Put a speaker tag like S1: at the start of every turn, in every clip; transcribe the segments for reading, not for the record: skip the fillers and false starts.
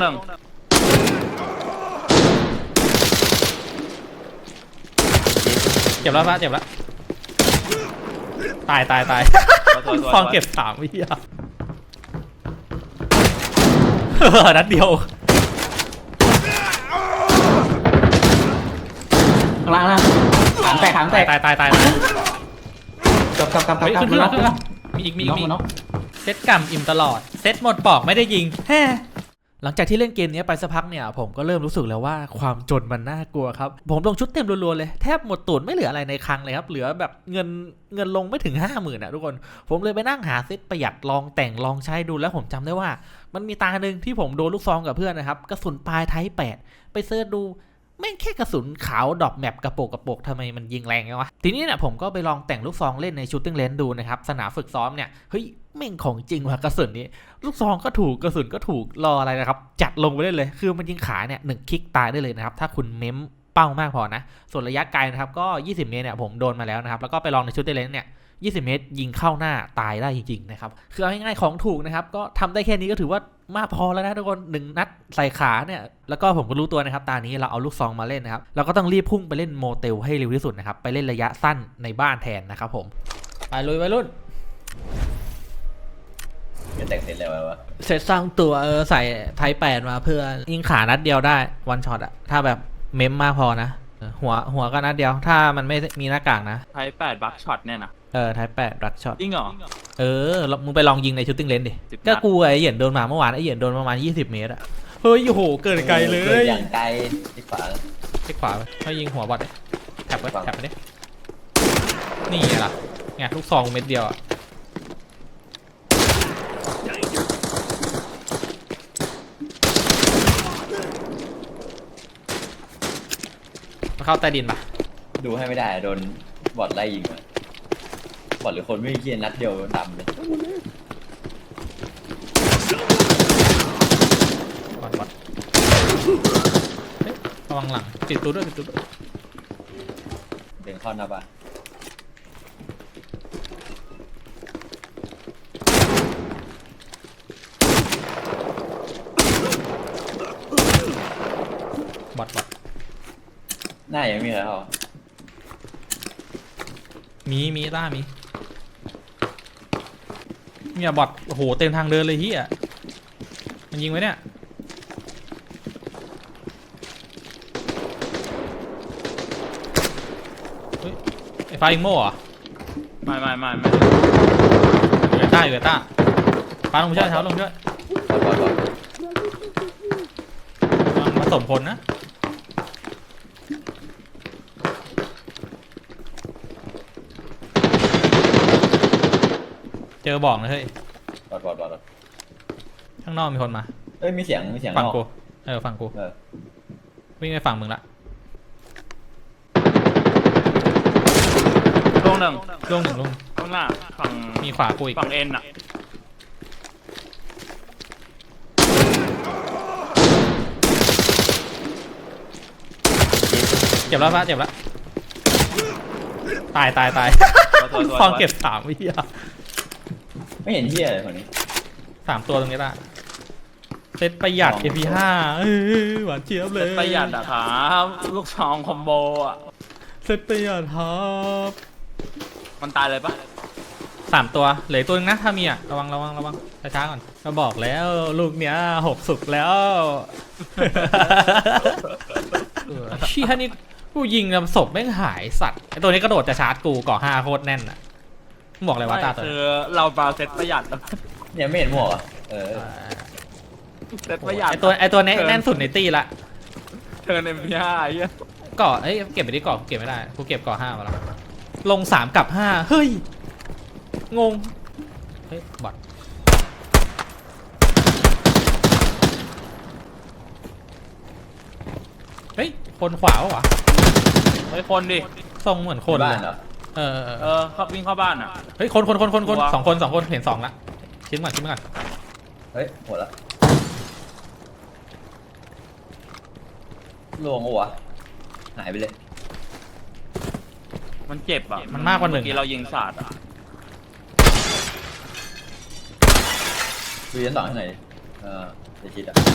S1: หนึ่ง
S2: เจ็บแล้วปะเจ็บแล้วตายฟองเก็บ3วิอ่ะนัดเดียว
S3: ข้างล่างนะหางแตก
S2: ตาย
S3: กลับ
S2: ขึ้นมีอีกเซตกำอิ่มตลอดเซตหมดปอกไม่ได้ยิงแฮ่หลังจากที่เล่นเกมนี้ไปสักพักเนี่ยผมก็เริ่มรู้สึกแล้วว่าความจนมันน่ากลัวครับผมลงชุดเต็มรัวๆเลยแทบหมดตูดไม่เหลืออะไรในคลังเลยครับเหลือแบบเงินลงไม่ถึง 50,000นะทุกคนผมเลยไปนั่งหาเซตประหยัดลองแต่งลองใช้ดูแล้วผมจำได้ว่ามันมีตาหนึ่งที่ผมโดนลูกซองกับเพื่อนนะครับกระสุนปลายไทป์8ไปเซิร์ชดูแม่งแค่กระสุนขาวดรอปแมปกระโปกทำไมมันยิงแรงวะทีนี้เนี่ยผมก็ไปลองแต่งลูกซองเล่นในชูตติ้งเลนส์ดูนะครับสนามฝึกซ้อมเนี่ยเฮ้ยแม่งของจริงว่ะกระสุนนี้ลูกซองก็ถูกกระสุนก็ถูกรออะไรนะครับจัดลงไปได้เลยคือมันยิงขาเนี่ย1 คลิกตายได้เลยนะครับถ้าคุณเม้มเป้ามากพอนะส่วนระยะไกลนะครับก็20 เมตรเนี่ยผมโดนมาแล้วนะครับแล้วก็ไปลองในชูตติ้งเลนส์เนี่ย20 เมตรยิงเข้าหน้าตายได้จริงๆนะครับคือเอาง่ายๆของถูกนะครับก็ทำได้แค่นี้ก็ถือว่ามากพอแล้วนะทุกคน1 นัดใส่ขาเนี่ยแล้วก็ผมก็รู้ตัวนะครับตานี้เราเอาลูกซองมาเล่นนะครับเราก็ต้องรีบพุ่งไปเล่นโมเตลให้เร็วที่สุดนะครับไปเล่นระยะสั้นในบ้านแทนนะครับผมไปลุยไปรุ่น
S3: จะแต่งเสร็จแล้ววะ
S2: เสร็จสร้างตัวใส่ไทป์8มาเพื่อยิงขานัดเดียวได้วันช็อตอะถ้าแบบเมมมากพอนะหัวก็นัดเดียวถ้ามันไม่มีหน้ากากนะ
S1: ไทป์8บัคช็อตเนี่ยนะ
S2: ไทป์8รักช็อต
S1: จริงเหรอ
S2: มึงไปลองยิงในชูตติ้งเลนส์ดิก็กูไอ้เหยียนโดนมาเมื่อวานไอ้เหยียนโดนประมาณ20 เมตรอะเฮ้ยโอ้โหเกินไกลเลย
S3: อย่างไกลที่ขวา
S2: ให้ยิงหัวบอทแท็บไปดินี่ไงล่ะไงลูกซองเม็ดเดียวอะมาเข้าใต้ดินปะ
S3: ดูให้ไม่ได้โดนบอทไล่ยิงมาบอทหรือคนไม่เกียร์นัดเดียวดำเลย
S2: บอทระวังหลังปิดตัวด้วย
S3: เดินเข้าหน้าบ้าน
S2: บอท
S3: หน้ายังมีอะไรเหรอ
S2: มีต้าเนี่ยบอทโอ้โหเต็มทางเดินเลยเฮียมันยิงไว้เนี่ยเฮ้ยไอ้ไฟอิงโม่เหรอ
S1: ไม่
S2: อยู่ต้าปาลงช่วยลงช่วยมันผสมคนนะเจอบอกนะเฮ้ย
S3: บอด
S2: ข้างนอกมีคนมา
S3: มีเสียง
S2: ฝั่งกูฝั่งกูวิ่งไปฝั่งมึงละ
S1: ลงหนึ่งข้างหน้าฝั่ง
S2: มีขวากูอีก
S1: ฝั่งเอ็นอะ
S2: เจ็บแล้วปะเจ็บแล้วตายฟองเก็บ3 วิอ่ะ
S3: ไม่เห็นเหี้ยอะไรคนนี้
S2: 3 ตัวตรงนี้ละเซตประหยัด AP5 หวานเจี๊ยบเลย
S1: เซตประหยัดอะครับลูกซองคอมโบอะ
S2: เซตประหยัดครับ
S1: มันตายเลยปะ
S2: 3 ตัวเหลือตัวนึงนะถ้ามีอะระวังช้าๆก่อนก็บอกแล้วลูกเนี้ย6 สุกแล้วชี้ท่านี่กูยิงศพแม่งหายสัตว์ไอตัวนี้กระโดดจะชาร์จกูก่อ5โคตรแน่นอะบอกเลยว่าตาตัว
S1: คือเราบราเซตประหยัด
S3: เนี่ยไม่เห็นหมวก
S1: เซตประหยัด
S2: ไอตัวนี้แน่นสุดในตีละ
S1: เธอในMP5
S2: ก่อเก็บไปดิก่อเก็บไม่ได้กูเก็บก่อ5มาแล้วลง3 กับ 5เฮ้ยงงเฮ้ยบอทเฮ้ยคนขวาวะ
S1: เฮ้ยคนดิ
S2: ทรงเหมือนคนเลย
S1: เขาวิ่งเข้าบ้านอ่ะ
S2: เฮ้ยคน2 คนเห็น2ละชิ้นก่อน
S3: เฮ้ยหมดละลวงหัวหายไปเลย
S1: มันเจ็บอ่ะ
S2: มันมากกว่า1
S1: ที่เรายิงสาดอ่ะ
S3: ดูยันต่อให้ไหนจะชิดอ่ะ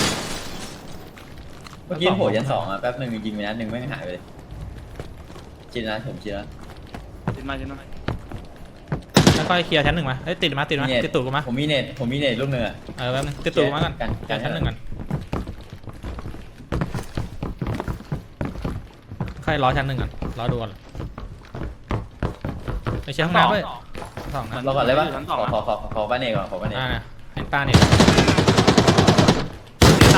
S3: เมื่อกี้โผล่ยัน2อ่ะแป๊บหนึ่งยิงไปนัดหนึ่งไม่หายไปเลยชิดนะผมชิดนะ
S1: จินมา
S2: แล้วก็เคลียร์ชั้น 1มาเอ้ยติดมาติดตูดกูมา
S3: ผมมีเน็ตลูกหนึ่งอ่ะ
S2: แป๊บนึงติดตูดกูมากันเคลียร์ชั้น 1กันค่อยรอชั้น 1ก่อนรอดูก่อนไปเช็คห้องน้ำด้วย2นะ
S3: รอก่อนเลยปะ
S1: ชั้น
S3: ข
S1: สอง
S3: อบ้านเอกก่อนขอบ้านเอก
S2: เห็นตาเนี่ย
S1: ตาย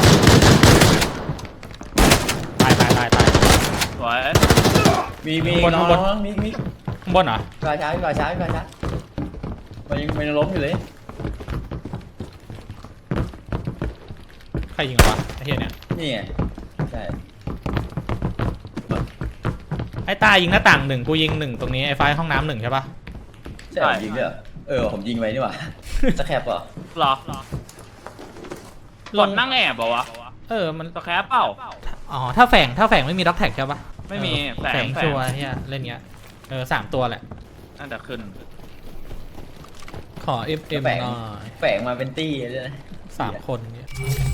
S2: ตาย
S1: สวย
S3: มี
S2: ข้างบน
S3: น้องมี
S2: ข้างบนเหรอ
S3: กระช้ามันยังล้มอยู่เลย
S2: ใครยิงวะไอ้เหี้ยเนี่ย
S3: นี่ไงใช่
S2: ไอ้ตายิงหน้าต่าง1กูยิง1ตรงนี้ไอ้ไฟห้องน้ำ1ใช่ปะ
S3: ใช่ผมยิงด้วยผมยิงไปนี่หว่าสแครปเหรอ
S1: หรอหล่นนั่งแอบบอกวะ
S2: มัน
S1: สแครปเปล่า
S2: อ๋อถ้าแฝงไม่มีด็อกแท็กใช่ปะ
S1: ไม่มีแฝง
S2: ชัวร์เฮียเล่นเงี้ย3ตัวแหละ
S1: น่าจะขึ้น
S2: ขอเอ็มหน่อย
S3: แฝงมาเป็นตี้เลยนะ
S2: 3 คนเนี่ย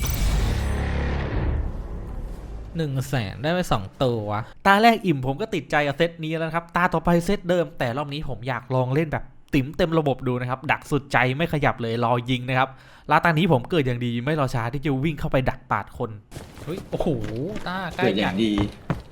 S2: 100,000ได้ไป2 ตัวตาแรกอิ่มผมก็ติดใจกับเซตนี้แล้วครับตาต่อไปเซตเดิมแต่รอบนี้ผมอยากลองเล่นแบบติ๋มเต็มระบบดูนะครับดักสุดใจไม่ขยับเลยรอยิงนะครับแล้วตอนนี้ผมเกิดอย่างดีไม่รอช้าที่จะวิ่งเข้าไปดักปาดคนเฮ้ยโอ้โหตาใกล้
S3: เกิดอย่างดี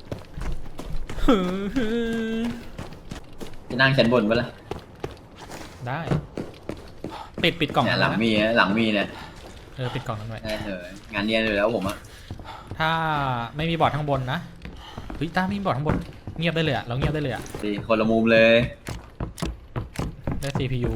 S3: จะนั่งชั้นบนปะล่ะ
S2: ได้ปิดกล่อง
S3: เนี่ย
S2: นั้น
S3: หลังมีเนี่ย
S2: ปิดกล่องนั้นไว้
S3: งานเนียนอยู่แล้วผมอะ
S2: ถ้าไม่มีบอร์ดข้างบนนะเฮ้ยตาไม่มีบอร์ดข้างบนเงียบได้เลยอะเราเงียบได้เลยอะ
S3: ดีคนละมุมเลย
S2: ได้ CPU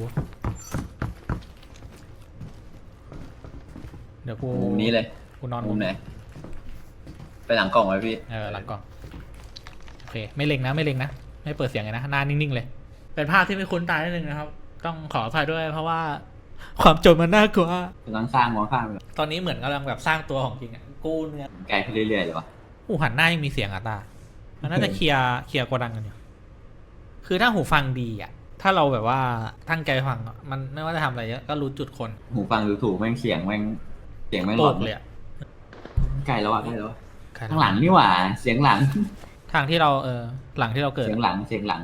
S2: เดี๋ยวกู
S3: มุมนี้เลย
S2: กูนอน
S3: มุมไหนไปหลังกล่องไว้พี่
S2: หลังกล่องโอเคไม่เล็งนะไม่เปิดเสียงเลยนะหน้านิ่งๆเลยเป็นภาพที่ไม่คุ้นตานิดนึงนะครับต้องขออภัยด้วยเพราะว่าความจนมันน่ากลัว
S3: กำลังสร้างมองข้ามไป
S2: ตอนนี้เหมือนกำลังแบบสร้างตัวของจริงอะกู้เนี่ย
S3: ไกลขึ้นเรื่อยๆเลยวะ
S2: หูหันหน้ายังมีเสียงอะตามันน่าจะเคลียร์โกดังกันอยู่คือถ้าหูฟังดีอะถ้าเราแบบว่าตั้งใจฟังอะมันไม่ว่าจะทำอะไรเยอะก็รู้จุดคน
S3: หูฟังดูถูกแม่งเสียงแม่งหล
S2: โต
S3: อน
S2: กเลยอะ
S3: ไกลแล้วอะข้างหลังนี่หว่าเสียงหลัง
S2: ทางที่เราหลังที่เราเกิด
S3: เสียงหลัง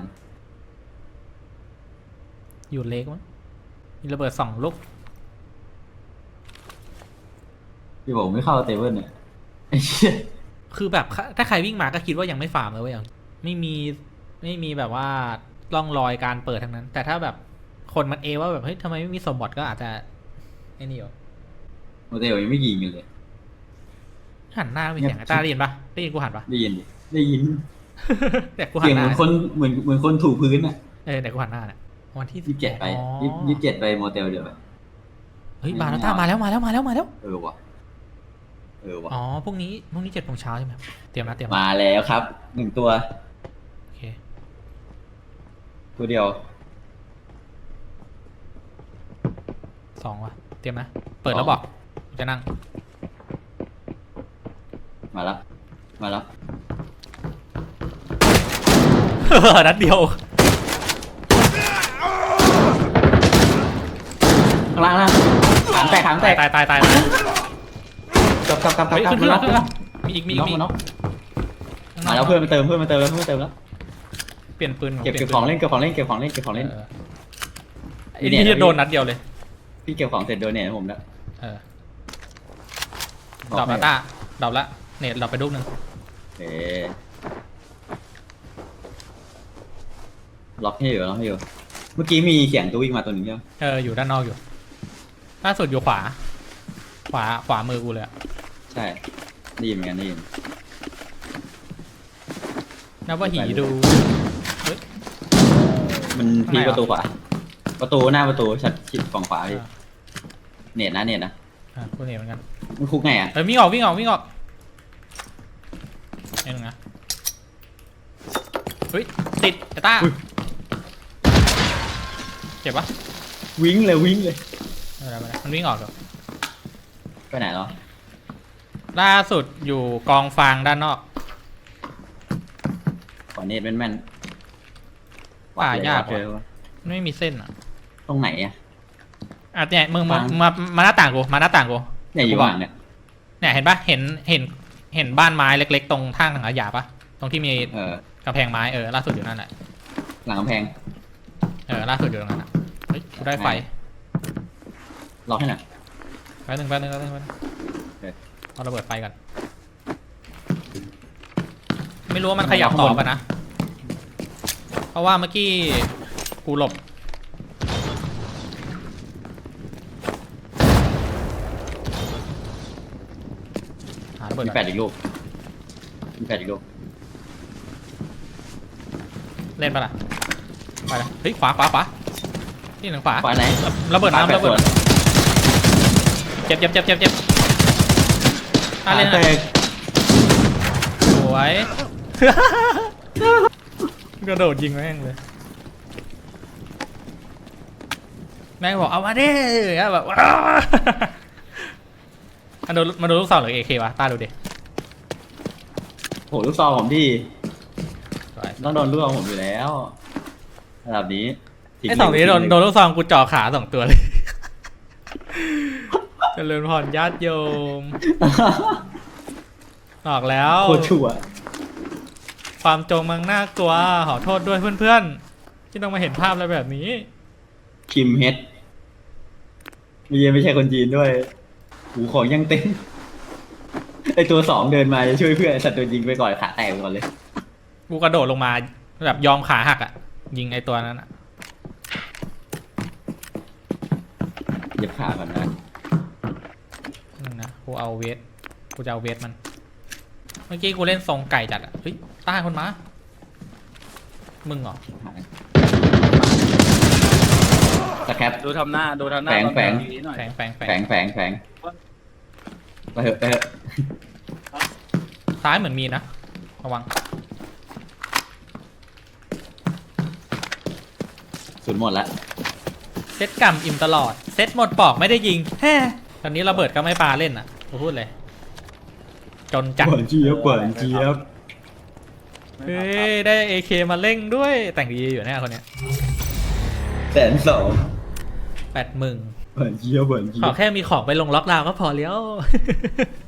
S2: อยู่เล็กมั้งมีระเบิด2 ลูก
S3: พี่บอกไม่เข้าเตเบิลเนี่ยไอ้เหี้ย
S2: คือแบบถ้าใครวิ่งมาก็คิดว่ายังไม่ฟาร์มเลยเว้ยไม่มีแบบว่าร่องรอยการเปิดทั้งนั้น แต่ถ้าแบบคนมันว่าแบบเฮ้ยทำไมไม่มีสมบัติก็อาจจะไอ้นี่อยู่
S3: โมเดลยังไม่ยิงกันเลย
S2: หันหน้ามีเสียงตาได้ยินปะได้ยินกูหันปะ
S3: ได้ยิน
S2: แต่กูหั
S3: เสีย
S2: น
S3: ง
S2: ห
S3: เห
S2: น้า
S3: มือนคนเหมือนคนถูพื้นอ่ะ
S2: แต่กูหันหน้าเนี่ยวันที่
S3: 27ไป
S2: อ๋อ
S3: 27ไปโมเดลเดี๋ยวไป
S2: เฮ้ยมาแล้วตามาแล้ว
S3: เออว่ะ
S2: อ๋อพรุ่งนี้7 โมงเช้าใช่ไหมเตรียมนะ
S3: มาแล้วครับ1ตัว
S2: โอเค
S3: ตัวเดียว
S2: 2 ว่ะเตรียมนะเปิดแล้วบอกจะนั่ง
S3: มาแล้ว
S2: นัดเดียว
S3: ข้างล่างถางแตก
S2: ตาย
S3: กลับ
S2: เฮ้ยขึ้น
S3: มา
S2: มีอีก
S3: น็อกมาแล้วเพื่อนมาเติมแล้ว
S2: เปลี่ยนปืน
S3: เก็บของเล่นไอ้
S2: นี่จะโดนนัดเดียวเลย
S3: พี่เก็บของเสร็จโดนเนี่ยผมแล้ว
S2: ดรอปละตาดรอปละเน็ตดรอปไปลูกนึง
S3: ล็อกให้อยู่เมื่อกี้มีเสียงตัววิ่งมาตัวหนึ่งใช่ไหม
S2: อยู่ด้านนอกอยู่ล่าสุดอยู่ขวามือกูเลย
S3: ใช่ได้ยินเหมือนกัน
S2: นับว่าหีดู
S3: มันพีประตูขวาหน้าประตูชัดชิดฝั่งขวาพี่เน็ตนะ
S2: กูเน็ตเหมือนกัน
S3: มันคุกไงอ่ะ
S2: วิ่งออกไอ้หนึ่งนะเฮ้ยติดไอ้ต้าเจ็บปะ
S3: วิ่งเลย
S2: มันวิ่งออกเหรอ
S3: ไปไหนแล้ว
S2: ล่าสุดอยู่กองฟางด้านนอก
S3: ขอเน็ตแม่น
S2: ป่ายาก
S3: เจอ
S2: ไม่มีเส้นอ่ะ
S3: ตรงไหนอ่ะ
S2: เนี่ยมึงมาหน้าต่างกูมาหน้าต่างกู
S3: เนี่ยอยู่ว่างเนี่ย
S2: เนี่ยเห็นปะเห็นบ้านไม้เล็กๆตรงทางถังขยะปะตรงที่มีกำแพงไม้ล่าสุดอยู่นั่นแหละ
S3: หลังกำแพง
S2: ล่าสุดอยู่ตรงนั้นเฮ้ยกูได้ไฟ
S3: รอให้หน่อย
S2: แป๊บนึงเอาระเบิดไฟก่อนไม่รู้ว่ามันขยับต่อปะนะเพราะว่าเมื่อกี้กูหลบหาระเบิด
S3: มีแปดอีกลูก
S2: เล่นปะล่ะไปเลยเฮ้ยขวาที่หนึ่งขวา
S3: ขวาไหน
S2: ระเบิดน้ำระเบิดเจ็บเล่นเลยสวยกระโดดยิงแม่งเลยแม่งบอกเอามาดิแบบมาดูลูกซองหรือ AK วะตาดูดิ
S3: โหลูกซองผมพี่ต้องโดนลูกซองผมอยู่แล้วระดับนี้
S2: ไอ้สองนี้โดนลูกซองกูจ่อขา2 ตัวเลยเจริญพรญาติโยมออกแล้ว
S3: โคตรชั่ว
S2: ความจงมังน่ากลัวขอโทษด้วยเพื่อนๆที่ต้องมาเห็นภาพอะไรแบบนี้
S3: คิมเฮดไม่ใช่คนจีนด้วยหูของยังเต้นไอตัว2เดินมาจะช่วยเพื่อนไอ้สัตว์ตัวยิงไปก่อนขาแตกไปก่อนเลย
S2: กูกระโดดลงมาแบบยอมขาหักยิงไอตัวนั้น
S3: เย็บขาก่อนนะ
S2: นะกูเอาเวทกูจะเอาเวทมันเมื่อกี้กูเล่นทรงไก่จัดเฮ้ยใต้คนมามึงเหรอ
S3: สแคป
S1: ดูทำหน้า
S3: แฝง
S1: หน่อย
S2: แฝง
S3: ไปเถอะ
S2: ซ้ายเหมือนมีนะระวัง
S3: สุดหมดละ
S2: เซตกำอิ่มตลอดเซตหมดปอกไม่ได้ยิงแฮ่ตอนนี้ระเบิดก็ไม่ปาเล่นกูพูดเลยจนจัด
S3: เปิดเจี๊ยบ
S2: เฮ้ยได้ AK มาเล่งด้วยแต่งดีอยู่เนี่ยคนเนี้ย
S3: 120,000
S2: 80,000
S3: เปิดเจี๊ยบ
S2: ขอแค่มีของไปลงล็อกดาวน์ก็พอแล้ว